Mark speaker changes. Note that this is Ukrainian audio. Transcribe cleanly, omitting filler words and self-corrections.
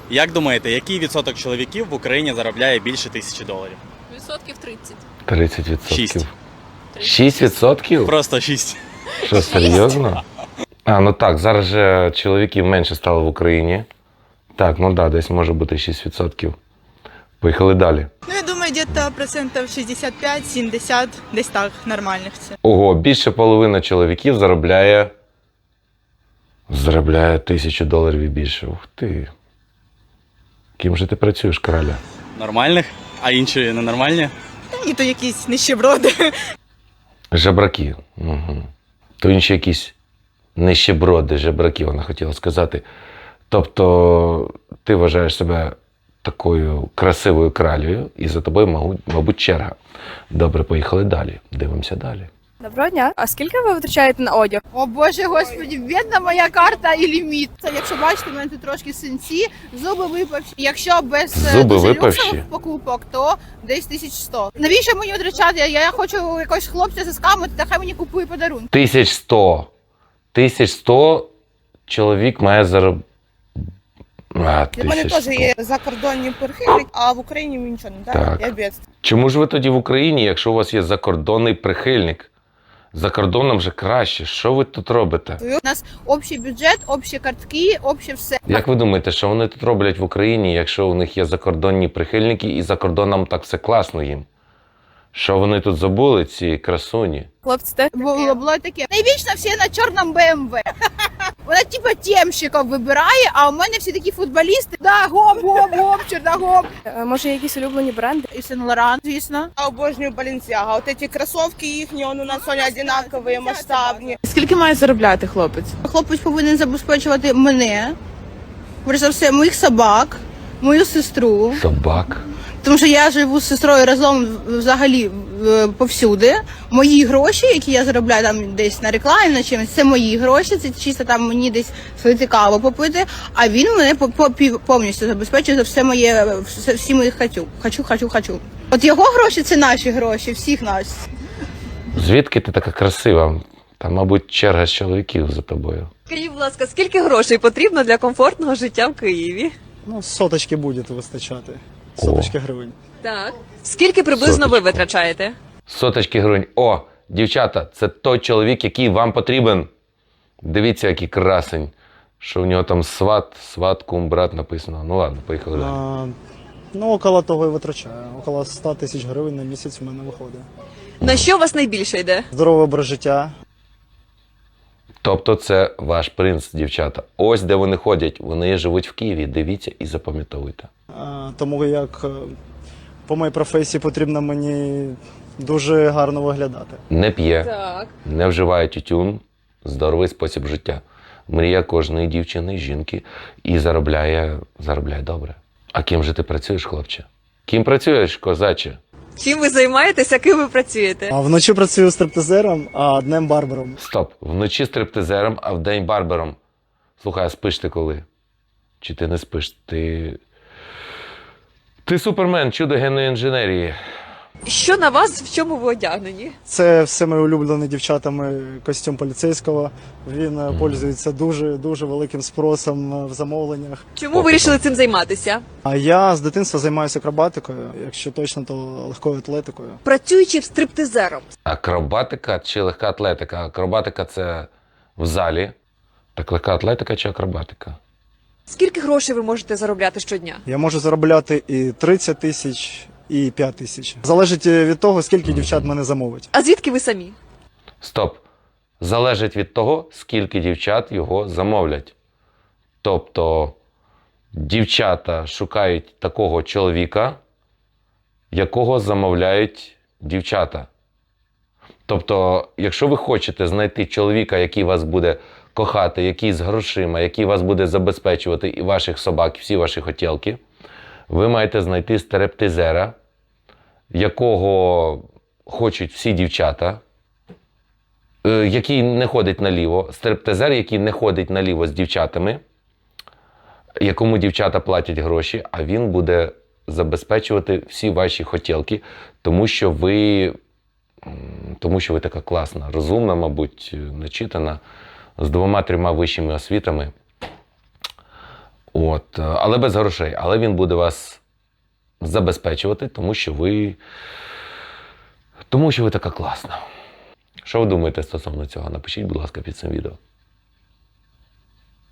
Speaker 1: Як думаєте, який відсоток чоловіків в Україні заробляє більше $1000?
Speaker 2: Відсотків 30.
Speaker 3: 30%.
Speaker 1: 6.
Speaker 3: 6%?
Speaker 1: Просто 6.
Speaker 3: Що, серйозно? А, ну так, зараз же чоловіків менше стало в Україні. Так, ну да, десь може бути 6%. Поїхали далі.
Speaker 4: Ну, я думаю, где-то процентов 65-70, десь так, нормальних це.
Speaker 3: Ого, більше половини чоловіків заробляє $1000 і більше. Ух ти. Ким же ти працюєш, краля?
Speaker 1: Нормальних? А інші ненормальні?
Speaker 4: Та ні, то якісь нищеброди.
Speaker 3: Жебраки. Угу. То інші якісь нищеброди, жебраки, вона хотіла сказати. Тобто ти вважаєш себе такою красивою кралею, і за тобою, мабуть, черга. Добре, поїхали далі. Дивимося далі.
Speaker 2: Доброго дня. А скільки ви витрачаєте на одяг?
Speaker 5: О Боже, господі, бідна моя карта і ліміт. Це, якщо бачите, в мене тут трошки синці, зуби випавші. Якщо без
Speaker 3: Зуби
Speaker 5: дуже
Speaker 3: випавші?
Speaker 5: люксових покупок, то десь 1100. Навіщо мені витрачати? Я хочу якогось хлопця з скамити, та хай мені купує подарунки.
Speaker 3: 1100. 1100 чоловік має заробити.
Speaker 6: У мене теж є закордонні прихильники, а в Україні мені нічого не
Speaker 3: Так.
Speaker 6: дають. Я бідствую.
Speaker 3: Чому ж ви тоді в Україні, якщо у вас є закордонний прихильник? За кордоном же краще. Що ви тут робите?
Speaker 5: У нас общий бюджет, общі картки, обще все.
Speaker 3: Як ви думаєте, що вони тут роблять в Україні, якщо у них є закордонні прихильники і за кордоном так все класно їм? Що вони тут забули, ці красуні?
Speaker 2: Хлопці, те
Speaker 5: Було таке. Найвічно всі на чорному БМВ. Вона типа темщиків вибирає, а у мене всі такі футболісти. Да, гоп, черногоп.
Speaker 2: може якісь улюблені бренди?
Speaker 5: І Сен Лоран, звісно.
Speaker 6: Я обожнюю Balenciaga. Вот эти кроссовки їхні, у нас вони одинакові, масштабні.
Speaker 7: Скільки має заробляти хлопець?
Speaker 5: Хлопець повинен забезпечувати мене, перш за все, моїх собак, мою сестру.
Speaker 3: Собак.
Speaker 5: Тому що я живу з сестрою разом взагалі повсюди. Мої гроші, які я заробляю там десь на рекламі, на чимось, це мої гроші, це чисто там мені десь свою каву попити, а він мене повністю забезпечує за все моє, всі мої хочу. От його гроші це наші гроші, всіх нас.
Speaker 3: Звідки ти така красива? Там, мабуть, черга з чоловіків за тобою.
Speaker 8: Скажіть, будь ласка, скільки грошей потрібно для комфортного життя в Києві?
Speaker 9: Ну, соточки буде вистачати. Соточки гривень.
Speaker 8: Так. Скільки приблизно ви
Speaker 3: Соточку.
Speaker 8: витрачаєте?
Speaker 3: Соточки гривень. О, дівчата, це той чоловік, який вам потрібен. Дивіться, який красень. Що в нього там сват, кум, брат написано. Ну ладно, поїхали далі.
Speaker 9: Ну, около того і витрачаю. Около 100 тисяч гривень на місяць в мене виходить.
Speaker 8: На що у вас найбільше йде?
Speaker 9: Здоровий образ життя.
Speaker 3: Тобто це ваш принц, дівчата. Ось де вони ходять. Вони живуть в Києві. Дивіться і запам'ятовуйте.
Speaker 9: Тому як по моїй професії потрібно мені дуже гарно виглядати.
Speaker 3: Не п'є,
Speaker 8: Так.
Speaker 3: не вживає тютюн, здоровий спосіб життя. Мрія кожної дівчини, жінки і заробляє добре. А ким же ти працюєш, хлопче? Ким працюєш, козаче?
Speaker 8: Чим ви займаєтеся, ким ви працюєте?
Speaker 9: А вночі працюю стриптизером, а днем барбером.
Speaker 3: Стоп, вночі стриптизером, а вдень барбером. Слухай, а спиш ти коли? Чи ти не спиш? Ти супермен, чудо генної інженерії.
Speaker 8: Що на вас, в чому ви одягнені?
Speaker 9: Це все мої улюблені дівчатами костюм поліцейського. Він пользується дуже великим спросом в замовленнях.
Speaker 8: Чому вирішили цим займатися?
Speaker 9: А я з дитинства займаюся акробатикою, якщо точно, то легкою атлетикою.
Speaker 8: Працюючи стриптизером.
Speaker 3: Акробатика чи легка атлетика? Акробатика – це в залі. Так легка атлетика чи акробатика?
Speaker 8: Скільки грошей ви можете заробляти щодня?
Speaker 9: Я можу заробляти і 30 тисяч, і 5 тисяч. Залежить від того, скільки дівчат мене замовить.
Speaker 8: А звідки ви самі?
Speaker 3: Стоп. Залежить від того, скільки дівчат його замовлять. Тобто дівчата шукають такого чоловіка, якого замовляють дівчата. Тобто, якщо ви хочете знайти чоловіка, який вас буде кохати, який з грошима, який вас буде забезпечувати і ваших собак, і всі ваші хотілки, ви маєте знайти стриптизера, якого хочуть всі дівчата, який не ходить наліво, стриптизер, який не ходить наліво з дівчатами, якому дівчата платять гроші, а він буде забезпечувати всі ваші хотілки, тому що ви така класна, розумна, мабуть, начитана, з 2-3 вищими освітами. От, але без грошей. Але він буде вас забезпечувати, тому що ви така класна. Що ви думаєте стосовно цього? Напишіть, будь ласка, під цим відео.